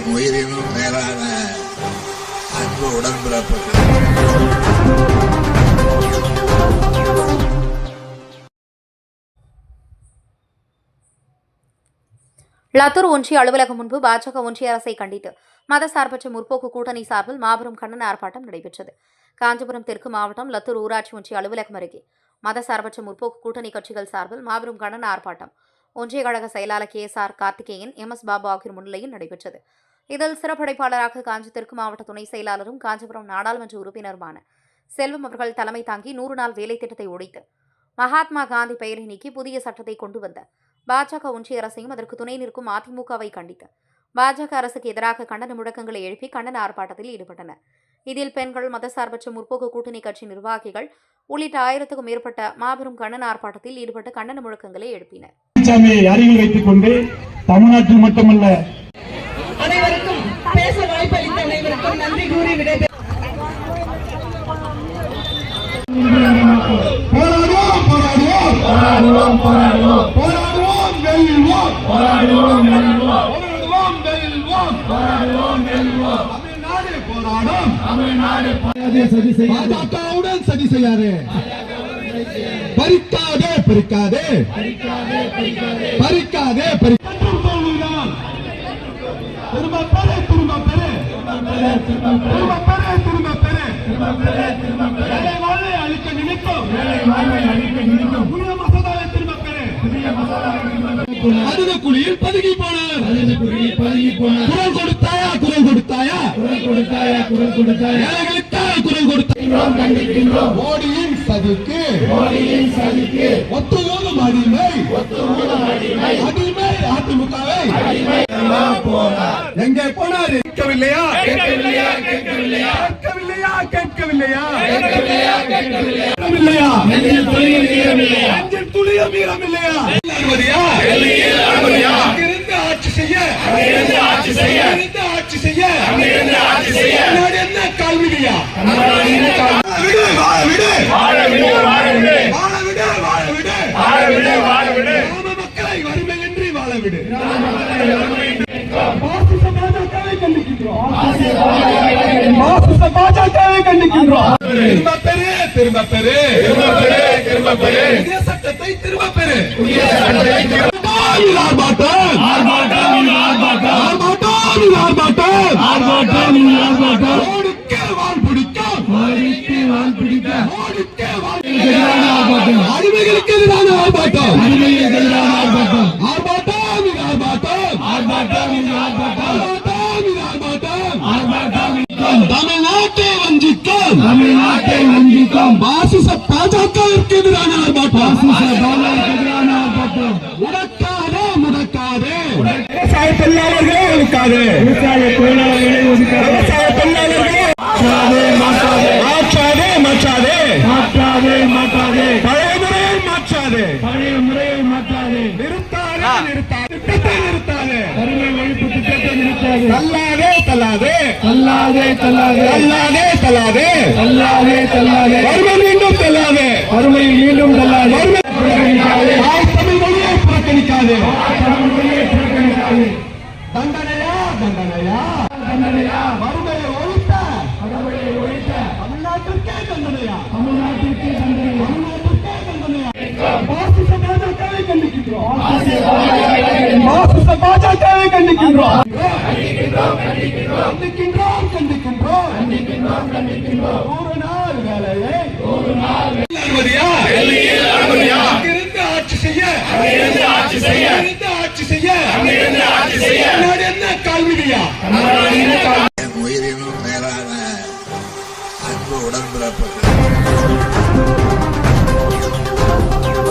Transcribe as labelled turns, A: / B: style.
A: உயிரினும் மேலான அன்பு உடன்பிறப்புகள்.
B: லத்தூர் ஒன்றிய அலுவலகம் முன்பு பாஜக ஒன்றிய அரசை கண்டித்து மதசார்பற்ற முற்போக்கு கூட்டணி சார்பில் மாபெரும் கண்டன ஆர்ப்பாட்டம் நடைபெற்றது. காஞ்சிபுரம் தெற்கு மாவட்டம் லத்தூர் ஊராட்சி ஒன்றிய அலுவலகம் அருகே மதசார்பற்ற முற்போக்கு கூட்டணி கட்சிகள் சார்பில் மாபெரும் கண்டன ஆர்ப்பாட்டம் ஒன்றிய கழக செயலாளர் KSR கார்த்திகேயன், MS பாபு ஆகியோர் முன்னிலையில் நடைபெற்றது. இதில் சிறப்படைப்பாளராக காஞ்சி தெற்கு மாவட்ட துணை செயலாளரும் காஞ்சிபுரம் நாடாளுமன்ற உறுப்பினருமான செல்வம் அவர்கள் தலைமை தாங்கி 100 நாள் வேலை திட்டத்தை ஒழித்து மகாத்மா காந்தி பெயரை நீக்கி புதிய சட்டத்தை கொண்டு வந்த பாஜக ஒன்றிய அரசையும் அதற்கு துணை நிற்கும் அதிமுகவை கண்டித்து பாஜக அரசுக்கு எதிராக கண்டன முழக்கங்களை எழுப்பி கண்டன ஆர்ப்பாட்டத்தில் ஈடுபட்டனர். இதில் பெண்கள், மதசார்பற்ற முற்போக்கு கூட்டணி கட்சி நிர்வாகிகள் உள்ளிட்ட 1000க்கும் மேற்பட்ட மாபெரும் கண்டன ஆர்ப்பாட்டத்தில் ஈடுபட்டு கண்டன முழக்கங்களை எழுப்பினர்.
C: அருகில் வைத்துக் கொண்டு தமிழ்நாட்டில் மட்டுமல்ல
D: அனைவருக்கும் பேச வாய்ப்பளித்த அனைவருக்கும் நன்றி கூறி விடைபெறுகிறேன்.
C: பாஜகவுடன் சதி செய்யாதே, பறிக்காதே பறிக்காதே பறிக்காதே திரும்ப பெரு திரும்ப பெரு திரும்ப பெரு திரும்ப பெரு வாழ்வை அழிக்க நினைக்கும் புதிய மசோதாவை திரும்ப பெரு அதுத குழியில் பதுங்கி போனார். குரல் கொடுத்தாயா குரல் கொடுத்தாயா குரல் கொடுத்தாயா ஏழைகளுக்காக குரல் கொடுத்தாயா. மோடியின் சதிக்கு ஒத்துவோதும் அடிமை அதிமுகவை எங்கே போனார்? கேட்கவில்லையா துளியும் மீறமில்லையா? ஆட்சி செய்ய என்ன கால்விதியா? மக்களை வறுமையின்றி வாழ விடு. பாஜகவை கண்டிக்கின்றோம். திரும்ப பெரு புதிய சட்டத்தை திரும்ப பெரு. அடிமைகளுக்கு எதிரான ஆர்ப்பாட்டம். தமிழ்நாட்டை வஞ்சிக்கும் பாசிச பாஜகவிற்கு எதிரான ஆர்ப்பாட்டம். முடக்காதே விவசாய தொழிலாளர்களே ஒதுக்காதே. விவசாய தொழிலாளர்களே மாற்றாதே பழைய முறையை மாற்றாதே. நிறுத்தாதே வறுமை ஒழிப்பு திட்டத்தை நிறுத்தாதே. தள்ளாதே வறுமை மீண்டும் தள்ளாதே. தமிழ் மொழியை புறக்கணிக்காதே. தண்டனையா வறுமையை ஒழித்த தமிழ்நாட்டிற்கே தண்டனையா. பாசிச பாஜகவை கண்டிக்கின்றோம். 100 நாள் வேலையை ஆட்சி செய்ய என்ன கால்விதியா?
A: உயிரினும் மேலான அன்பு உடன்பிறப்புகள்.